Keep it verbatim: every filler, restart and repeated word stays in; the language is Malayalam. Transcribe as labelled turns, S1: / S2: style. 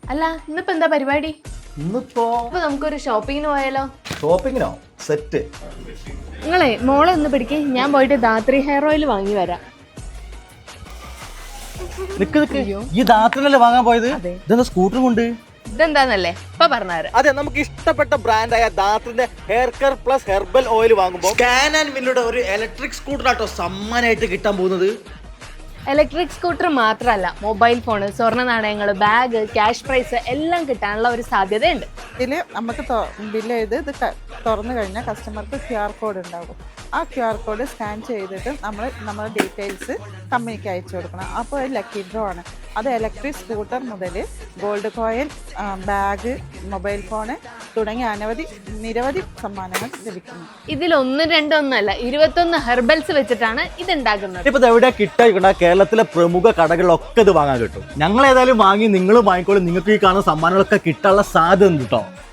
S1: അല്ല ഇന്നിപ്പോ എന്താ പരിപാടി?
S2: ഇന്നിപ്പോ
S1: ഇപ്പൊ നമുക്കൊരു ഷോപ്പിങ്ങിന് പോയാലോ?
S2: ഷോപ്പിങ്ങിനോ? സെറ്റ്.
S1: നിങ്ങളെ മോളെ ഒന്ന് പിടിക്കേ, ഞാൻ പോയിട്ട് ധാത്രി ഹെയർ ഓയിൽ വാങ്ങി വരാം.
S2: നിക്ക് നിക്ക്, ഈ ധാത്രിനല്ലേ വാങ്ങാൻ പോയത്? ഇതെന്താ സ്കൂട്ടറും കൊണ്ട്?
S1: ഇതെന്താന്നല്ലേ ഇപ്പൊ പറഞ്ഞുതരാം.
S2: അതെ, നമുക്ക് ഇഷ്ടപ്പെട്ട ബ്രാൻഡായ ധാത്രിന്റെ hair care plus herbal oil വാങ്ങുമ്പോൾ സ്കാൻ ആൻഡ് വില്ലുടെ ഒരു ഇലക്ട്രിക് സ്കൂട്ടർ ആട്ടോ സമ്മാനമായിട്ട് കിട്ടാൻ പോകുന്നത്.
S1: ഇലക്ട്രിക് സ്കൂട്ടർ മാത്രമല്ല, മൊബൈൽ ഫോണ്, സ്വർണ്ണ നാണയങ്ങൾ, ബാഗ്, ക്യാഷ് പ്രൈസ് എല്ലാം കിട്ടാനുള്ള ഒരു സാധ്യതയുണ്ട്.
S3: ഇതിൽ നമുക്ക് ബില്ല് ചെയ്ത് ഇത് തുറന്നു കഴിഞ്ഞാൽ കസ്റ്റമർക്ക് ക്യു ആർ കോഡ് ഉണ്ടാകും. ആ ക്യു ആർ കോഡ് സ്കാൻ ചെയ്തിട്ട് നമ്മൾ നമ്മുടെ ഡീറ്റെയിൽസ് കമ്പനിക്ക് അയച്ചു കൊടുക്കണം. അപ്പോൾ ഒരു ലക്കി ഡ്രോ ആണ്. അത് ഇലക്ട്രിക് സ്കൂട്ടർ മുതൽ gold coin, bag, mobile phone തുടങ്ങിയ അനവധി നിരവധി സമ്മാനങ്ങൾ ലഭിക്കുന്നു.
S1: ഇതിൽ ഒന്നും രണ്ടൊന്നല്ല, ഇരുപത്തൊന്ന് ഹെർബൽസ് വെച്ചിട്ടാണ് ഇത് ഉണ്ടാക്കുന്നത്.
S2: ഇപ്പൊ എവിടെ കിട്ടാ? കേരളത്തിലെ പ്രമുഖ കടകളിലൊക്കെ ഇത് വാങ്ങാൻ കിട്ടും. ഞങ്ങൾ ഏതായാലും വാങ്ങി നിങ്ങൾ വാങ്ങിക്കോളും. നിങ്ങൾക്ക് ഈ കാണുന്ന സമ്മാനങ്ങളൊക്കെ കിട്ടാനുള്ള സാധ്യത ഉണ്ട് കേട്ടോ.